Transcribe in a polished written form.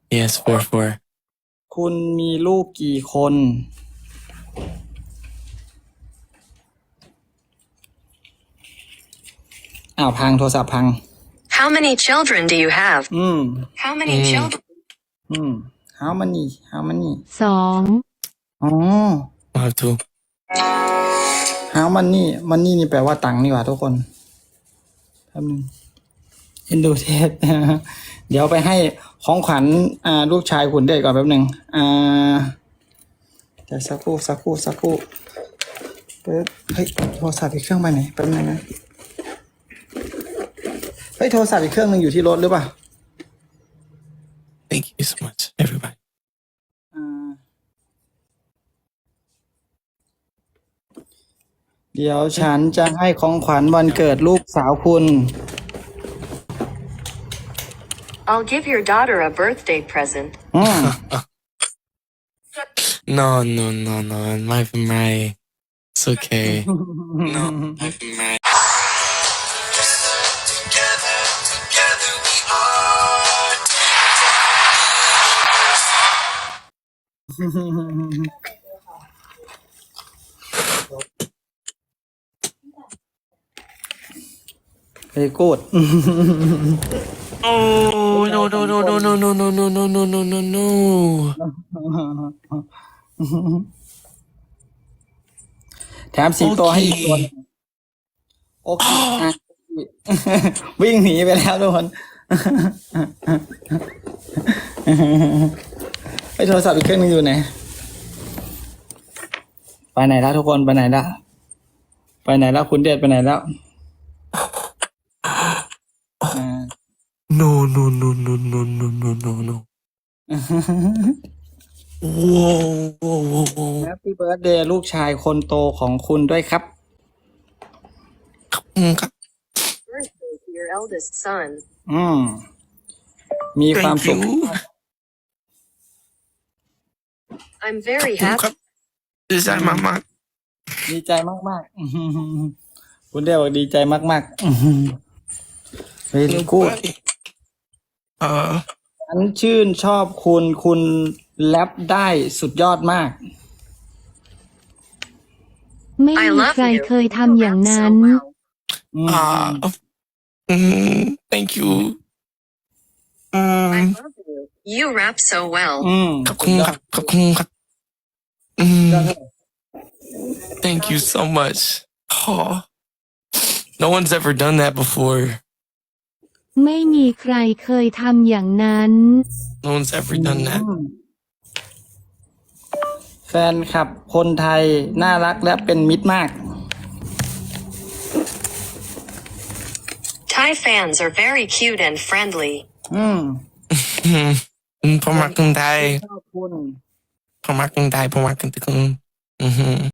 Yes, 4-4. คุณมีลูกกี่คนพังโทรศัพท์พัง How many children do you have? How many children? how many สองอ๋อ I have 2. how money นี่แปลว่าตังค์นี่หว่าทุกคนแป๊บนึงเอ็นดูเทส เดี๋ยวไปให้ของขวัญลูกชายคุณเด็กก่อนแป๊บนึงเดี๋ยวสักครู่ปึ๊บเฮ้ยโทรศัพท์อีกเครื่องไปไหนแป๊บนึงนะเฮ้ยโทรศัพท์อีกเครื่องนึงอยู่ที่รถหรือเปล่า Thank you so much, everybody. เดี๋ยวฉันจะให้ของขวัญวันเกิดลูกสาวคุณ I'll give your daughter a birthday present. No, my right. It's okay. No, my right. Together we are. เฮ้ยกูด Oh, no. แถมสิงโตให้อีกตัวหนึ่งโอเควิ่งหนีไปแล้วทุกคนไอโทรศัพท์อีกเครื่องนึงอยู่ไหนไปไหนแล้วทุกคนไปไหนแล้วคุณเดชไปไหนแล้ว No. Whoa. แฮปปี้เบิร์ธเดย์ลูกชายคนโตของคุณด้วยครับ Birthday to your eldest son. มีความ Thank สุข you. I'm very happy. Is that my mom? ดีใจมากๆคุณเดชบอกดีใจมากๆเฮ้ยกูด ฉันชื่นชอบคุณแรปได้สุดยอดมากไม่ I มี love ใคร you. เคยทำอย่างนั้น Thank you. I love you. You rap so well. ขอบคุณครับ Thank you so much. Oh, no one's ever done that before. ไม่มีใครเคยทำอย่างนั้น No one's ever done that. แฟนคลับคนไทยน่ารักและเป็นมิตรมาก Thai fans are very cute and friendly. ผมรักคนไทยชอบคุณผมรักคนไทย